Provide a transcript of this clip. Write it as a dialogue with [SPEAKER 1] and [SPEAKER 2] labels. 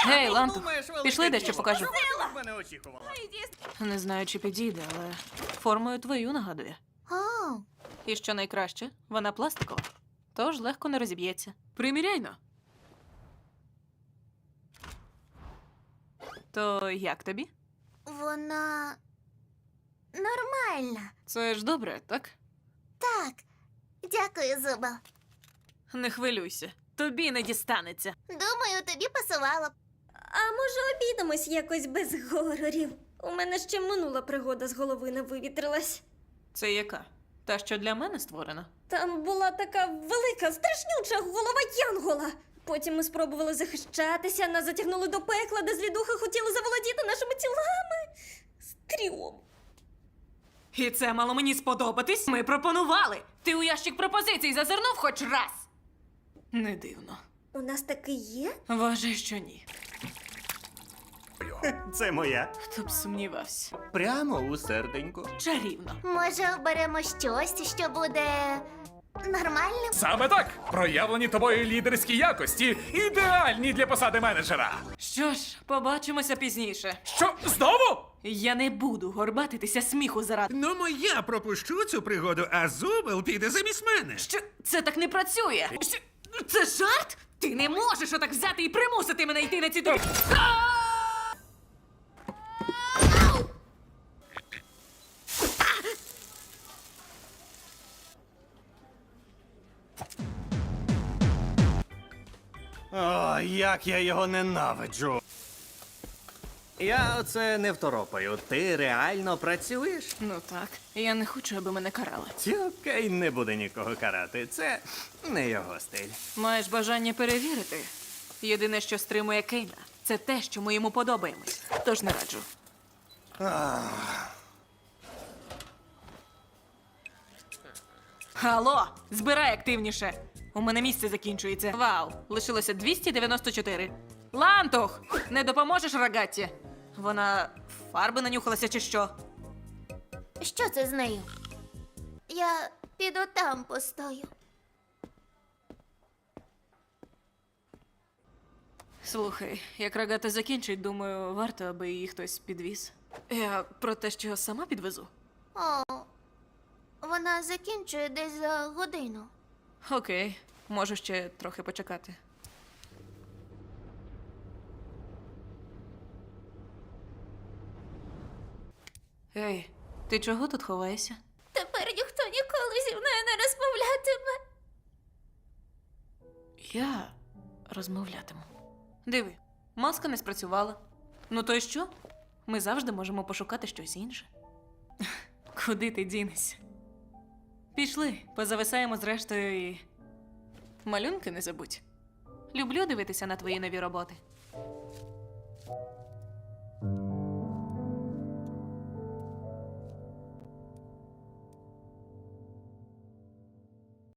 [SPEAKER 1] Гей, Ланту, пішли дещо покажу.
[SPEAKER 2] Мене очікувала.
[SPEAKER 1] Не знаю, чи підійде, але формою твою нагадує.
[SPEAKER 3] О,
[SPEAKER 1] І що найкраще, вона пластикова, тож легко не розіб'ється. Приміряйно. То як тобі?
[SPEAKER 3] вона нормальна.
[SPEAKER 1] Це ж добре, так?
[SPEAKER 3] Так. Дякую, Зубел.
[SPEAKER 1] Не хвилюйся, тобі не дістанеться.
[SPEAKER 3] Думаю, тобі пасувало б.
[SPEAKER 4] А може обійдемось якось без горорів? У мене ще минула пригода з голови не вивітрилась.
[SPEAKER 1] Це яка? Та, що для мене створена?
[SPEAKER 4] Там була така велика, страшнюча голова Янгола. Потім ми спробували захищатися, нас затягнули до пекла, де злідухи хотіли заволодіти нашими тілами. Стрьом.
[SPEAKER 1] І це мало мені сподобатись. Ми пропонували. Ти у ящик пропозицій зазирнув хоч раз. Не дивно.
[SPEAKER 4] У нас таки є?
[SPEAKER 1] Вважай, що ні.
[SPEAKER 2] Це моя.
[SPEAKER 1] Хто б сумнівався.
[SPEAKER 2] Прямо у серденько.
[SPEAKER 1] Чарівно.
[SPEAKER 3] Може, оберемо щось, що буде нормальним?
[SPEAKER 5] Саме так! Проявлені тобою лідерські якості ідеальні для посади менеджера.
[SPEAKER 1] Що ж, побачимося пізніше.
[SPEAKER 5] Що, знову?
[SPEAKER 1] Я не буду горбатитися сміху заради.
[SPEAKER 6] Ну, я пропущу цю пригоду, а Зубел піде замість мене.
[SPEAKER 1] Що? Це так не працює. Що? Це жарт? Ти не можеш отак взяти і примусити мене йти на ці тобі.
[SPEAKER 2] О, як я його ненавиджу. Я оце не второпаю. Ти реально працюєш?
[SPEAKER 1] Ну так, я не хочу, аби мене карали.
[SPEAKER 2] Окей, не буде нікого карати. Це не його стиль.
[SPEAKER 1] Маєш бажання перевірити? Єдине, що стримує Кейна, це те, що ми йому подобаємось. Тож не раджу. Алло, збирай активніше. У мене місце закінчується. Вау, лишилося 294. Лантух, не допоможеш Рогатті? Вона фарби нанюхалася чи що?
[SPEAKER 3] Що це з нею? Я піду там постою.
[SPEAKER 1] Слухай, як Рогата закінчить, думаю, варто, аби її хтось підвіз. Я про те, що сама підвезу.
[SPEAKER 3] О, вона закінчує десь за годину.
[SPEAKER 1] Окей, можу ще трохи почекати. Ей, ти чого тут ховаєшся?
[SPEAKER 3] Тепер ніхто ніколи зі мною не розмовлятиме.
[SPEAKER 1] Я розмовлятиму. Диви, маска не спрацювала. Ну то й що? Ми завжди можемо пошукати щось інше. Куди ти дінешся? Пішли, позависаємо зрештою і... Малюнки не забудь. Люблю дивитися на твої нові роботи.